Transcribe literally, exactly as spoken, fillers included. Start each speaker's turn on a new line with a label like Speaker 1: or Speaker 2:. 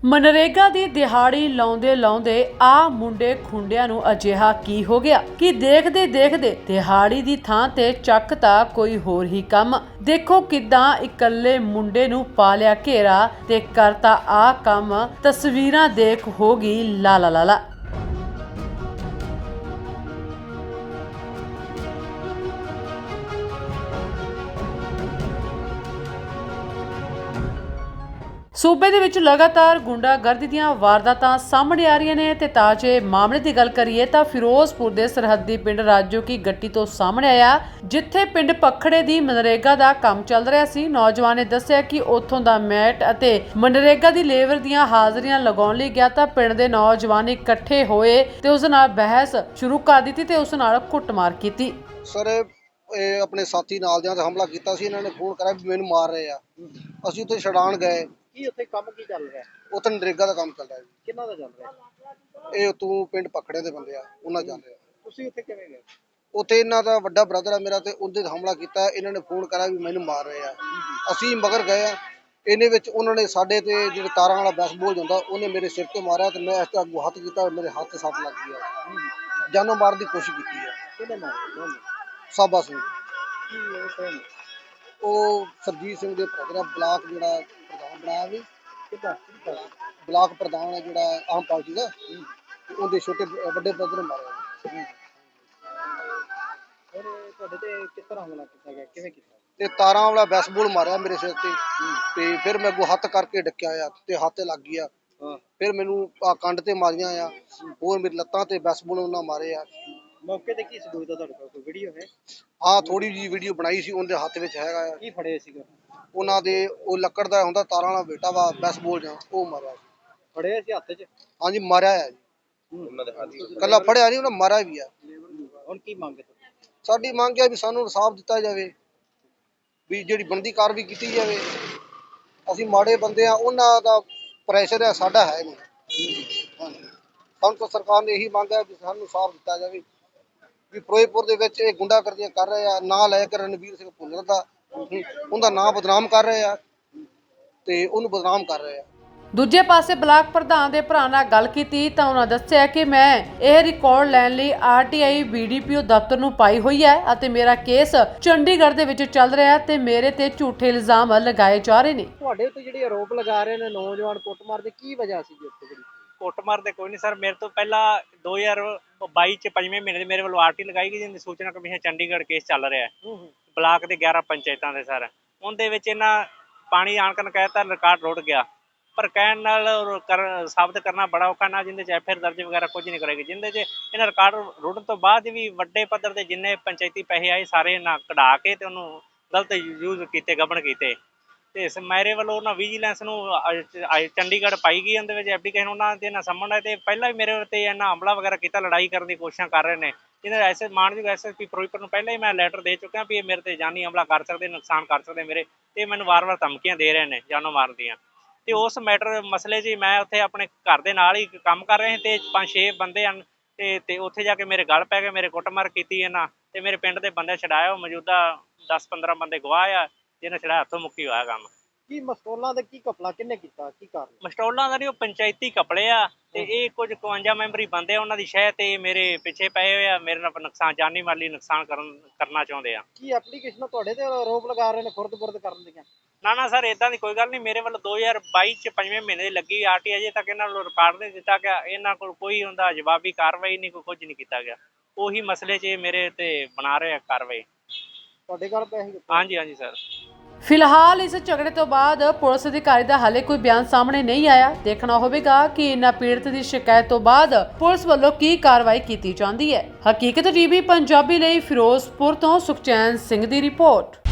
Speaker 1: मनरेगा दी दिहाड़ी लाउंदे लाउंदे आ मुंडे खुंडियां नूं अजिहा की हो गया कि देखदे देखदे दिहाड़ी दी थां ते चकता कोई होर ही काम। देखो किदां इकल्ले मुंडे नूं पा लिया घेरा ते करता आ काम। तस्वीरां देख हो गई लाला लाला। सूबे दे विच लगातार गुंडागर्दी दीआं वारदातां सामने आ रहीआं ने ते ताजे मामले की गल करिए तां फिरोजपुर दे सरहदी पिंड राजो की गट्टी तो सामने आया, जिथे पिंड पखड़े दी मनरेगा दा काम चल रहा सी। नौजवान ने दस्सिया कि उत्थों दा मैट अते मनरेगा दी लेबर दीआं हाज़रियां लगाउण लई गया तां पिंड दे नौजवान इकट्ठे होए ते उस नाल बहस शुरू कर दित्ती ते उस नाल कुੱਟਮਾਰ कीती।
Speaker 2: सर अपने साथी नाल दियां ते हमला कीता सी। इन्हां ने फोन कराया भी मैनूं मार रहे आ। ਅਸੀਂ ਉੱਥੇ ਛਡਾਣ ਗਏ।
Speaker 3: ਕੀ ਉੱਥੇ ਕੰਮ ਕੀ ਚੱਲ ਰਿਹਾ?
Speaker 2: ਉੱਥੇ ਨਰੇਗਾ ਦਾ ਕੰਮ ਚੱਲ ਰਿਹਾ ਜੀ।
Speaker 3: ਕਿੰਨਾ ਦਾ ਚੱਲ ਰਿਹਾ?
Speaker 2: ਇਹ ਤੂੰ ਪਿੰਡ ਪਖੜੇ ਦੇ ਬੰਦੇ ਆ, ਉਹਨਾਂ ਚੱਲ ਰਿਹਾ।
Speaker 3: ਤੁਸੀਂ ਉੱਥੇ ਕਿਵੇਂ ਗਏ?
Speaker 2: ਉੱਥੇ ਇਹਨਾਂ ਦਾ ਵੱਡਾ ਬ੍ਰਦਰ ਆ ਮੇਰਾ ਤੇ ਉਹਦੇ ਤੇ ਹਮਲਾ ਕੀਤਾ। ਇਹਨਾਂ ਨੇ ਫੋਨ ਕਰਾਇਆ ਵੀ ਮੈਨੂੰ ਮਾਰ ਰਹੇ ਆ। ਅਸੀਂ ਮਗਰ ਗਏ ਆ। ਇਹਨੇ ਵਿੱਚ ਉਹਨਾਂ ਨੇ ਸਾਡੇ ਤੇ ਜਿਹੜੇ ਤਾਰਾਂ ਵਾਲਾ ਬੈਸਬਾਲ ਜਾਂਦਾ ਉਹਨੇ ਮੇਰੇ ਸਿਰ ਤੇ ਮਾਰਿਆ ਤੇ ਮੈਂ ਇਸ ਤੇ ਅੱਗੋਂ ਹੱਥ ਕੀਤਾ, ਮੇਰੇ ਹੱਥ ਸੱਟ ਲੱਗ ਗਈ ਆ। ਜਾਨੋਂ ਮਾਰਨ ਦੀ ਕੋਸ਼ਿਸ਼ ਕੀਤੀ ਆ।
Speaker 3: ਕਿਹਨੇ ਮਾਰਿਆ?
Speaker 2: ਸਾਬਾ ਸਿੰਘ।
Speaker 3: ਕੀ ਉਹ ਕੌਣ?
Speaker 2: ਉਹ ਸਰਜੀਤ ਸਿੰਘ ਦੇ ਬ੍ਰਦਰ ਆ, ਬਲਾਕ ਜਿਹੜਾ ਪ੍ਰਧਾਨ ਬਣਾਇਆ ਵੀ।
Speaker 3: ਕਿੱਦਾਂ?
Speaker 2: ਬਲਾਕ ਪ੍ਰਧਾਨ ਹੈ ਜਿਹੜਾ ਆਮ ਪਾਰਟੀ ਦਾ, ਉਹਦੇ ਛੋਟੇ ਵੱਡੇ ਬ੍ਰਦਰ ਨੇ ਮਾਰਿਆ।
Speaker 3: ਫਿਰ ਤੁਹਾਡੇ ਤੇ ਕਿਸ ਤਰ੍ਹਾਂ ਹਮਲਾ ਕੀਤਾ ਗਿਆ? ਕਿਵੇਂ ਕੀਤਾ?
Speaker 2: ਤੇ ਤਾਰਾਂ ਵਾਲਾ ਬੈਸਬਾਲ ਮਾਰਿਆ ਮੇਰੇ ਸਿਰ ਤੇ ਤੇ ਫਿਰ ਮੈਂ ਅੱਗੋਂ ਹੱਥ ਕਰਕੇ ਡੱਕਿਆ ਆ ਤੇ ਹੱਥ ਤੇ ਲੱਗ ਗਿਆ। ਫਿਰ ਮੈਨੂੰ ਆ ਕੰਡ ਤੇ ਮਾਰੀਆਂ ਆ, ਹੋਰ ਮੇਰੀ ਲੱਤਾਂ ਤੇ ਬੈਸਬਾਲ ਉਹਨਾਂ ਮਾਰੇ ਆ।
Speaker 3: ਮੌਕੇ ਤੇ ਕੀ ਸਬੂਤ ਆ ਤੁਹਾਡੇ ਕੋਲ? ਕੋਈ ਵੀਡੀਓ ਹੈ?
Speaker 2: ਹਾਂ, ਥੋੜੀ ਜਿਹੀ ਵੀਡੀਓ ਬਣਾਈ ਸੀ, ਉਹਦੇ ਹੱਥ ਵਿੱਚ ਹੈਗਾ ਆ।
Speaker 3: ਕੀ ਫੜੇ ਸੀਗਾ
Speaker 2: ਉਹਨਾਂ ਦੇ? ਉਹ ਲੱਕੜ ਦਾ ਹੁੰਦਾ ਤਾਰਾਂ ਵਾਲਾ ਬੇਟਾ ਵਾ ਬੈਸਬਾਲ ਜਾਂ ਉਹ ਮਾਰਿਆ ਸੀ।
Speaker 3: ਫੜੇ ਸੀ ਹੱਥ 'ਚ?
Speaker 2: ਹਾਂਜੀ, ਮਾਰਿਆ ਆ ਜੀ।
Speaker 3: ਉਹਨਾਂ ਦੇ ਹੱਥ
Speaker 2: ਕੱਲਾ ਫੜਿਆ ਨਹੀਂ, ਉਹਨਾਂ ਮਾਰਿਆ ਵੀ ਆ।
Speaker 3: ਹੁਣ ਕੀ ਮੰਗ ਹੈ?
Speaker 2: ਸਾਡੀ ਮੰਗ ਹੈ ਵੀ ਸਾਨੂੰ ਇਨਸਾਫ ਦਿੱਤਾ ਜਾਵੇ, ਵੀ ਜਿਹੜੀ ਬਣਦੀ ਕਾਰਵਾਈ ਕੀਤੀ ਜਾਵੇ। ਅਸੀਂ ਮਾੜੇ ਬੰਦੇ ਆ, ਉਹਨਾਂ ਦਾ ਪ੍ਰੈਸ਼ਰ ਹੈ, ਸਾਡਾ ਹੈ ਨਹੀਂ। ਹਾਂਜੀ, ਸਾਨੂੰ ਤਾਂ ਸਰਕਾਰ ਨੇ ਇਹੀ ਮੰਗ ਹੈ ਵੀ ਸਾਨੂੰ ਇਨਸਾਫ ਦਿੱਤਾ ਜਾਵੇ ਵੀ ਫਿਰੋਜ਼ਪੁਰ ਦੇ ਵਿੱਚ ਇਹ ਗੁੰਡਾਗਰਦੀਆਂ ਕਰ ਰਹੇ ਆ। ਨਾਂ ਲੈ ਕੇ ਰਣਵੀਰ ਸਿੰਘ ਭੁੱਲਰ ਦਾ ਉਹਦਾ ਨਾਂ ਬਦਨਾਮ ਕਰ ਰਹੇ ਆ ਤੇ ਉਹਨੂੰ ਬਦਨਾਮ ਕਰ ਰਹੇ ਆ।
Speaker 1: ਦੂਜੇ ਪਾਸੇ ਬਲਾਕ ਪ੍ਰਧਾਨ ਦੇ ਭਰਾ ਨਾਲ ਗੱਲ ਕੀਤੀ ਤਾਂ ਉਹਨਾਂ ਦੱਸਿਆ ਕਿ ਮੈਂ ਇਹ ਰਿਕਾਰਡ ਲੈਣ ਲਈ R T I B D P O ਦਫ਼ਤਰ ਨੂੰ ਪਾਈ ਹੋਈ ਹੈ ਅਤੇ ਮੇਰਾ ਕੇਸ ਚੰਡੀਗੜ੍ਹ ਦੇ ਵਿੱਚ ਚੱਲ ਰਿਹਾ ਤੇ ਮੇਰੇ ਤੇ ਝੂਠੇ ਇਲਜ਼ਾਮ ਲਗਾਏ ਜਾ ਰਹੇ ਨੇ।
Speaker 3: ਤੁਹਾਡੇ ਉੱਤੇ ਜਿਹੜੇ ਆਰੋਪ ਲਗਾ ਰਹੇ ਨੇ ਨੌਜਵਾਨ ਕੁੱਟਮਾਰ ਦੇ, ਕੀ ਵਜ੍ਹਾ ਸੀ ਜੀ ਉੱਥੇ? ਜਿਹੜੀ
Speaker 4: ਕੁੱਟਮਾਰ ਦੇ ਕੋਈ ਨਹੀਂ ਸਰ, ਮੇਰੇ ਤੋਂ ਪਹਿਲਾਂ ਦੋ ਹਜ਼ਾਰ ਬਾਈ ਚ ਪੰਜਵੇਂ ਮਹੀਨੇ ਦੇ ਮੇਰੇ ਵੱਲੋਂ ਆਰਟੀ ਲਗਾਈ ਗਈ ਜਿੰਦੀ ਸੂਚਨਾ ਕਮਿਸ਼ਨ ਚੰਡੀਗੜ੍ਹ ਕੇਸ ਚੱਲ ਰਿਹਾ ਹੈ ਬਲਾਕ ਦੇ ਗਿਆਰਾਂ ਪੰਚਾਇਤਾਂ ਦੇ ਸਰ। ਉਹਦੇ ਵਿੱਚ ਇਹਨਾਂ ਪਾਣੀ ਆਣ ਕਰਨ ਕਹਿਤਾ ਰਿਕਾਰਡ ਰੁੜ ਗਿਆ, ਪਰ ਕਹਿਣ ਨਾਲ ਕਰ ਸਾਬਤ ਕਰਨਾ ਬੜਾ ਔਖਾ ਨਾ, ਜਿੰਦੇ 'ਚ ਐਫ ਆਈ ਆਰ ਦਰਜ ਵਗੈਰਾ ਕੁਝ ਨਹੀਂ ਕਰੇਗੀ। ਜਿੰਦੇ 'ਚ ਇਹਨਾਂ ਰਿਕਾਰਡ ਰੁੜਨ ਤੋਂ ਬਾਅਦ ਵੀ ਵੱਡੇ ਪੱਧਰ ਦੇ ਜਿੰਨੇ ਪੰਚਾਇਤੀ ਪੈਸੇ ਆਏ ਸਾਰੇ ਨਾ ਕਢਾ ਕੇ ਤੇ ਉਹਨੂੰ ਗਲਤ ਯੂਜ਼ ਕੀਤੇ, ਗਬਨ ਕੀਤੇ। ਤੇ ਮੇਰੇ ਵੱਲੋਂ ਉਹਨਾਂ ਵਿਜੀਲੈਂਸ ਨੂੰ ਚੰਡੀਗੜ੍ਹ ਪਾਈ ਗਈ, ਉਹਦੇ ਵਿੱਚ ਐਪਲੀਕੇਸ਼ਨ ਉਹਨਾਂ ਦੇ ਨਾਲ ਸੰਬੰਧ ਹੈ ਤੇ ਪਹਿਲਾਂ ਵੀ ਮੇਰੇ ਉੱਤੇ ਇਹਨਾਂ ਹਮਲਾ ਵਗੈਰਾ ਕੀਤਾ, ਲੜਾਈ ਕਰਨ ਦੀ ਕੋਸ਼ਿਸ਼ਾਂ ਕਰ ਰਹੇ ਨੇ। ਜਿਹਦੇ ਐਸੇ ਮਾਨਯੋਗ ਐਸ ਐਸ ਪੀ ਫਿਰੋਜ਼ਪੁਰ ਨੂੰ ਪਹਿਲਾਂ ਹੀ ਮੈਂ ਲੈਟਰ ਦੇ ਚੁੱਕਿਆ ਵੀ ਇਹ ਮੇਰੇ ਤੇ ਜਾਨੀ ਹਮਲਾ ਕਰ ਸਕਦੇ, ਨੁਕਸਾਨ ਕਰ ਸਕਦੇ ਮੇਰੇ, ਤੇ ਮੈਨੂੰ ਵਾਰ-ਵਾਰ ਧਮਕੀਆਂ ਦੇ ਰਹੇ ਨੇ ਜਾਨੋਂ ਮਾਰਨ ਦੀਆਂ। ਤੇ ਉਸ ਮੈਟਰ ਮਸਲੇ 'ਚ ਮੈਂ ਉੱਥੇ ਆਪਣੇ ਘਰ ਦੇ ਨਾਲ ਹੀ ਕੰਮ ਕਰ ਰਹੇ ਤੇ ਪੰਜ ਛੇ ਬੰਦੇ ਹਨ ਤੇ ਤੇ ਉੱਥੇ ਜਾ ਕੇ ਮੇਰੇ ਗਲ ਪੈ ਗਏ, ਮੇਰੇ ਕੁੱਟਮਾਰ ਕੀਤੀ ਇਹਨਾਂ ਤੇ ਮੇਰੇ ਪਿੰਡ ਦੇ ਬੰਦੇ ਛਡਾਇਆ। ਮੌਜੂਦਾ ਦਸ ਪੰਦਰਾਂ ਬੰਦੇ ਗਵਾਹ ਆ ਜਿਹਨੇ ਛਡਾਇਆ, ਹੱਥੋਂ ਮੁੱਕੀ ਹੋਇਆ ਕੰਮ।
Speaker 3: ਕੀ ਮਸਟੋਲਾਂ ਦਾ ਕੀ ਘਪਲਾ ਕਿੰਨੇ ਕੀਤਾ? ਕੀ ਕਾਰਨ?
Speaker 4: ਮਸਟੋਲਾਂ ਦਾ ਨਹੀਂ, ਉਹ ਪੰਚਾਇਤੀ ਕਪੜੇ ਆ ਤੇ ਇਹ ਕੁਝ ਇਕਵੰਜਾ ਮੈਂਬਰੀ ਬੰਦੇ ਆ, ਉਹਨਾਂ ਦੀ ਸ਼ਹਿ ਤੇ ਮੇਰੇ ਪਿੱਛੇ ਪਏ ਹੋਏ ਆ, ਮੇਰੇ ਨਾਲ ਨੁਕਸਾਨ ਜਾਨੀ ਮਾਲੀ ਨੁਕਸਾਨ ਕਰਨ ਕਰਨਾ ਚਾਹੁੰਦੇ ਆ।
Speaker 3: ਕੀ ਐਪਲੀਕੇਸ਼ਨ ਤੁਹਾਡੇ ਤੇ ਆਰੋਪ ਲਗਾ ਰਹੇ ਨੇ ਖੁਰਦ-ਬੁਰਦ ਕਰਨ ਦੀਆਂ?
Speaker 4: ਨਾ ਨਾ ਸਰ, ਇਦਾਂ ਦੀ ਕੋਈ ਗੱਲ ਨਹੀਂ। ਮੇਰੇ ਵੱਲੋਂ ਦੋ ਹਜ਼ਾਰ ਬਾਈ ਚ ਪੰਜਵੇਂ ਮਹੀਨੇ ਦੀ ਲੱਗੀ ਆਰ ਟੀ, ਅਜੇ ਤੱਕ ਇਹਨਾਂ ਵੱਲੋਂ ਰਿਕਾਰਡ ਨਹੀਂ ਦਿੱਤਾ ਗਿਆ। ਇਹਨਾਂ ਕੋਲ ਕੋਈ ਹੁੰਦਾ ਜਵਾਬੀ ਕਾਰਵਾਈ ਨਹੀਂ, ਕੋਈ ਕੁਝ ਨਹੀਂ ਕੀਤਾ ਗਿਆ। ਉਹੀ ਮਸਲੇ 'ਚ ਮੇਰੇ ਤੇ ਬਣਾ ਰਹੇ ਆ ਕਾਰਵਾਈ।
Speaker 3: ਤੁਹਾਡੇ ਘਰ ਪੈਸੇ?
Speaker 4: ਹਾਂਜੀ ਹਾਂਜੀ ਸਰ।
Speaker 1: ਫਿਲਹਾਲ ਇਸ ਝਗੜੇ ਤੋਂ ਬਾਅਦ ਪੁਲਿਸ ਅਧਿਕਾਰੀ ਦਾ ਹਾਲੇ ਕੋਈ ਬਿਆਨ ਸਾਹਮਣੇ ਨਹੀਂ ਆਇਆ। ਦੇਖਣਾ ਹੋਵੇਗਾ ਕਿ ਇਹਨਾਂ ਪੀੜਤ ਦੀ ਸ਼ਿਕਾਇਤ ਤੋਂ ਬਾਅਦ ਪੁਲਿਸ ਵੱਲੋਂ ਕੀ ਕਾਰਵਾਈ ਕੀਤੀ ਜਾਂਦੀ ਹੈ। ਹਕੀਕਤ ਟੀਵੀ ਪੰਜਾਬੀ ਲਈ ਫਿਰੋਜ਼ਪੁਰ ਤੋਂ ਸੁਖਚੈਨ ਸਿੰਘ ਦੀ ਰਿਪੋਰਟ।